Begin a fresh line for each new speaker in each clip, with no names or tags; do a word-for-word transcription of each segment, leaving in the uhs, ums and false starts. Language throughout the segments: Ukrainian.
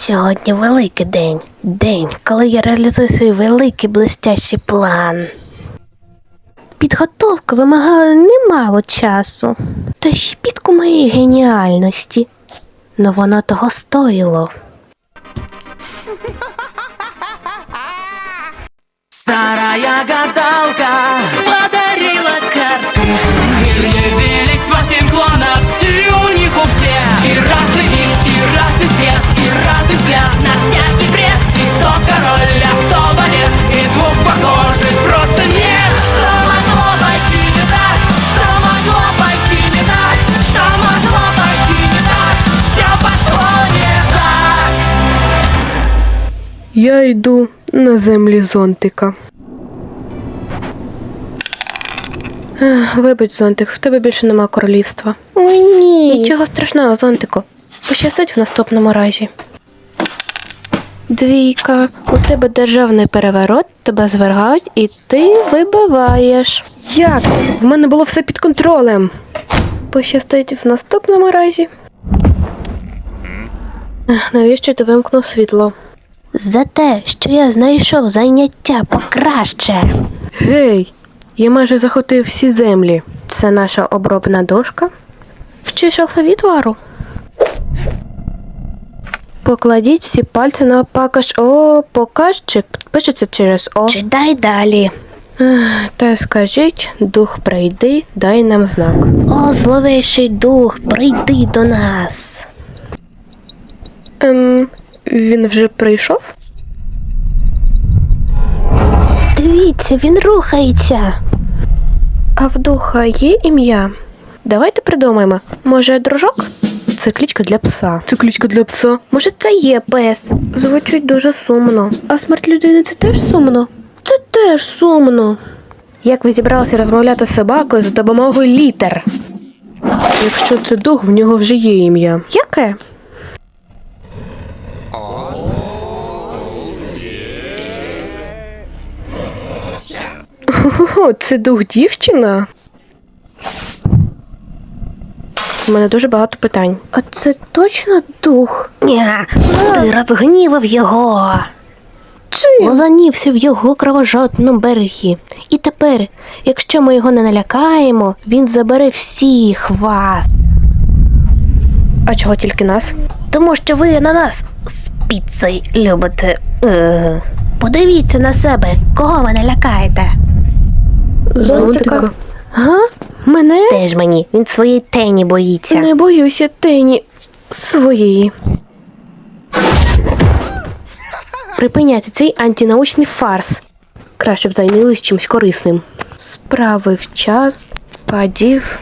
Сьогодні великий день. День, коли я реалізую свій великий блестящий план. Підготовка вимагала немало часу. Та ще підку моєї геніальності. Но воно того стоїло.
Старая гадалка подарила карты. В мир явились восемь клонов, и у них у всех и разный вид, и разный цвет, и разный взгляд на всякий бред. И кто король, а кто балет, и двух похожих просто нет. Что могло пойти не так? Что могло пойти не так? Что могло пойти не так? Все пошло не так.
Я йду на землі зонтика. Ех, Вибач, зонтик, в тебе більше нема королівства.
Ой, ні.
Нічого страшного, зонтику. Пощастить в наступному разі. Двійка, у тебе державний переворот, тебе звергають і ти вибиваєш. Як? В мене було все під контролем. Пощастить в наступному разі. Ех, Навіщо ти вимкнув світло?
За те, що я знайшов заняття покраще.
Гей, я майже захопив всі землі. Це наша обробна дошка. Вчиш алфавіт, Вару? Покладіть всі пальці на покаж. О, показчик пишеться через О.
Читай далі.
Ех, Та скажіть, дух прийди, дай нам знак.
О, зловейший дух, прийди до нас.
Ем, він вже прийшов?
Дивіться, він рухається.
А в духа є ім'я? Давайте придумаємо. Може, дружок? Це кличка для пса. Це кличка для пса? Може, це є пес? Звучить дуже сумно. А смерть людини – це теж сумно? Це теж сумно. Як ви зібралися розмовляти з собакою за допомогою літер? Якщо це дух, в нього вже є ім'я. Яке? О, це дух дівчина? У мене дуже багато питань. А це точно дух?
Ні, ти розгнівав його.
Чим?
Лозанівся в його кровожадному берегі. І тепер, якщо ми його не налякаємо, він забере всіх вас.
А чого тільки нас?
Тому що ви на нас з піцею любите. Е. Подивіться на себе, кого ви налякаєте.
Зонтика. Га? Мене?
Теж мені, він своєї тені боїться.
Не боюся тені своєї. Припиняйте цей антинаучний фарс. Краще б зайнялись чимось корисним. Справи в час падів.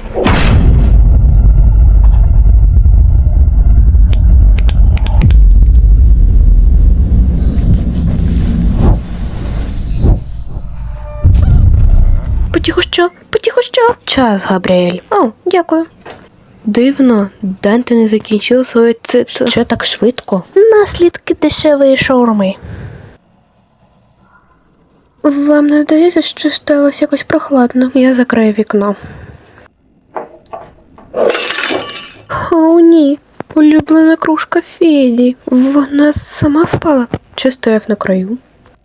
Потихо що? Потихо що? Час, Габріель. О, дякую. Дивно, Данте не закінчив своє цит. Що так швидко?
Наслідки дешевої шаурми.
Вам не здається, що сталося якось прохладно? Я закрию вікно. О, ні. Улюблена кружка Феді. Вона сама впала. Чи стояв на краю?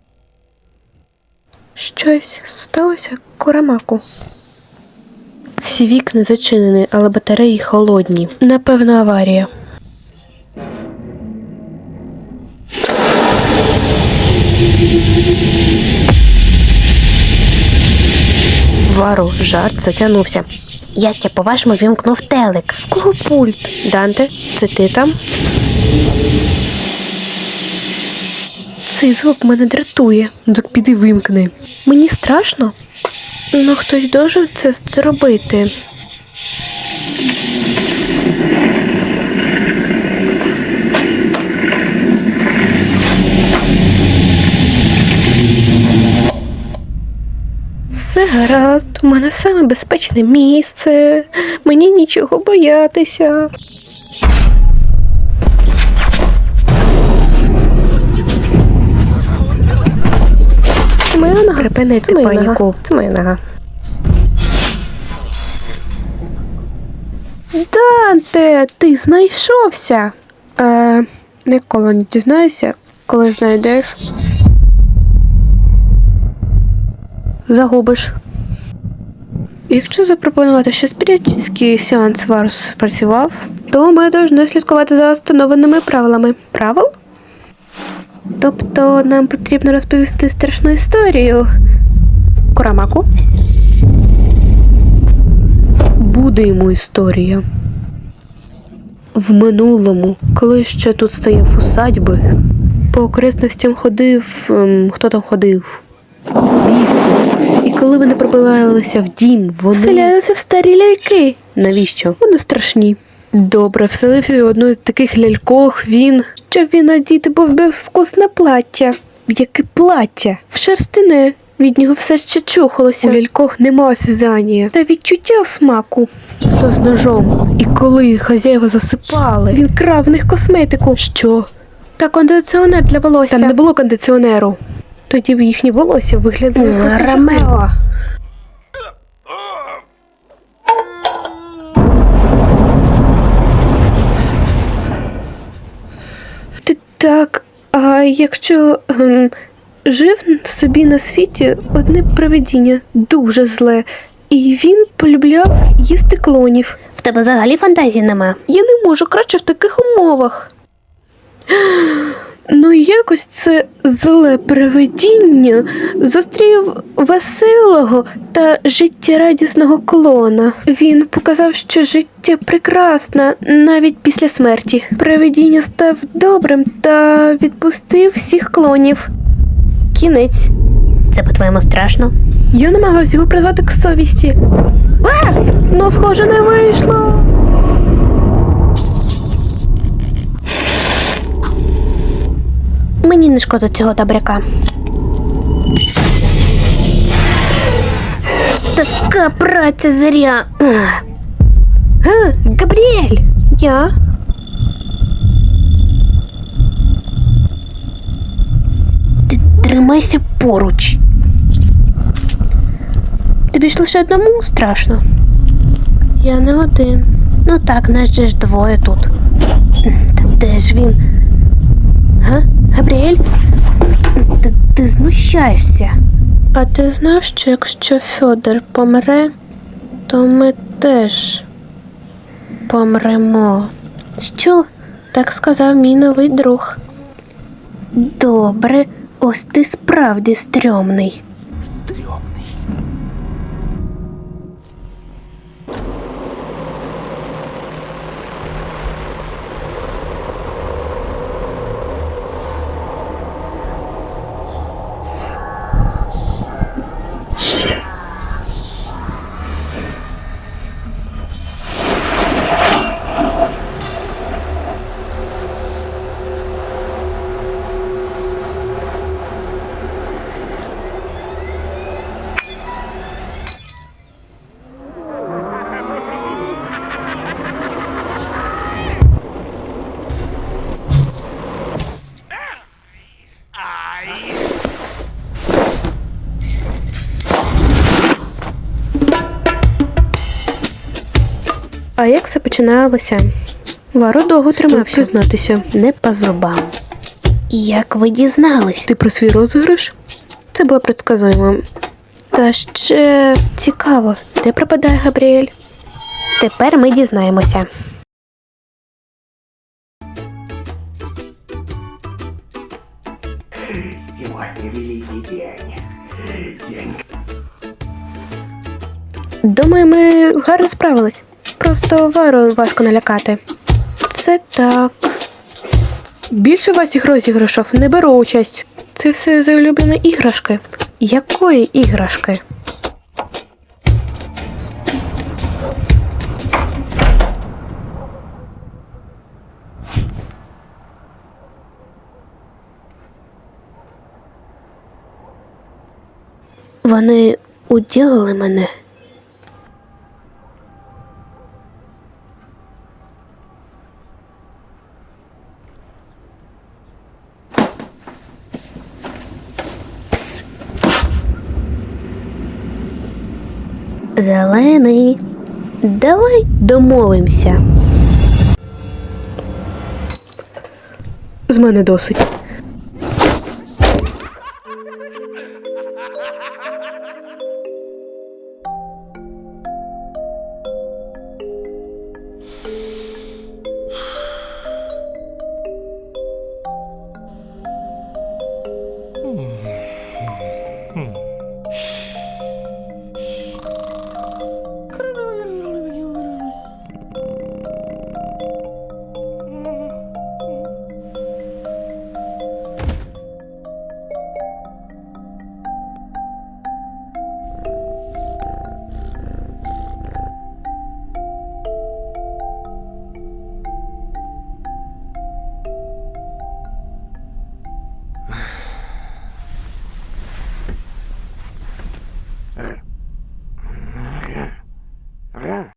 Щось сталося, Курамаку. Всі вікна зачинені, але батареї холодні. Напевно, аварія. Вару, жарт затягнувся.
Як я, по-вашому, вімкнув телек?
Кого пульт? Данте, це ти там? Цей звук мене дратує. Ну так піди вимкни. Мені страшно. Ну хтось должен це зробити. Все гаразд, у мене саме безпечне місце. Мені нічого боятися. Це моя нога. Припинити паніку. Це моя нога. Данте, ти знайшовся. Е, Ніколи не дізнаюся, коли знайдеш. Загубиш. Якщо запропонувати, що спіритський сеанс Варус спрацював, то ми повинні слідкувати за встановленими правилами. Правил? Тобто нам потрібно розповісти страшну історію. Курамаку? Буде йому історія. В минулому, коли ще тут стояв усадьби, по окресностям ходив... Ем, хто там ходив? Біси. І коли вони пробиралися в дім, вони... Вселялися в старі ляльки. Навіщо? Вони страшні. Добре, вселився в одну з таких лялькох він... Щоб він одіти був безвкусне плаття. Яке плаття? В шерстяне. Від нього все ще чухалося. У лялькох нема осязання та відчуття смаку. Це з ножом. І коли хазяїва засипали, він крав в них косметику. Що? Та кондиціонер для волосся. Там не було кондиціонеру. Тоді б їхні волосся виглядали просто Ромео. Ти так, а якщо ем, жив собі на світі одне привидіння, дуже зле, і він полюбляв їсти клонів.
В тебе взагалі фантазії нема.
Я не можу, краще в таких умовах. Ну, якось це зле привидіння зустрів веселого та життєрадісного клона. Він показав, що життя прекрасне навіть після смерті. Привидіння став добрим та відпустив всіх клонів. Кінець.
Це, по-твоєму, страшно?
Я намагався його призвати к совісті. А! Ну, схоже, не вийшло.
Мені не шкода цього добряка. Така праця зря. Ах. А, Габріель!
Я?
Ти тримайся поруч. Тобі ж лише одному страшно.
Я не один.
Ну так, нас же ж двоє тут. Та де ж він? Га? Габріель? Ти, ти знущаєшся.
А ти знав, що якщо Фьодор помре, то ми теж помремо.
Що?
Так сказав мій новий друг.
Добре, ось ти справді стрьомний.
А як все починалося? Варо довго тримався знатися.
Не по зубам. Як ви дізнались?
Ти про свій розіграш? Це було предсказуємо. Та ще цікаво, де пропадає Габріель?
Тепер ми дізнаємося.
Думаю, ми гарно справились. Просто Вару важко налякати. Це так. Більше ваших розіграшів не беру участь. Це все за улюблені іграшки. Якої іграшки?
Вони уділили мене. Пс. Зелений, давай домовимося.
З мене досить.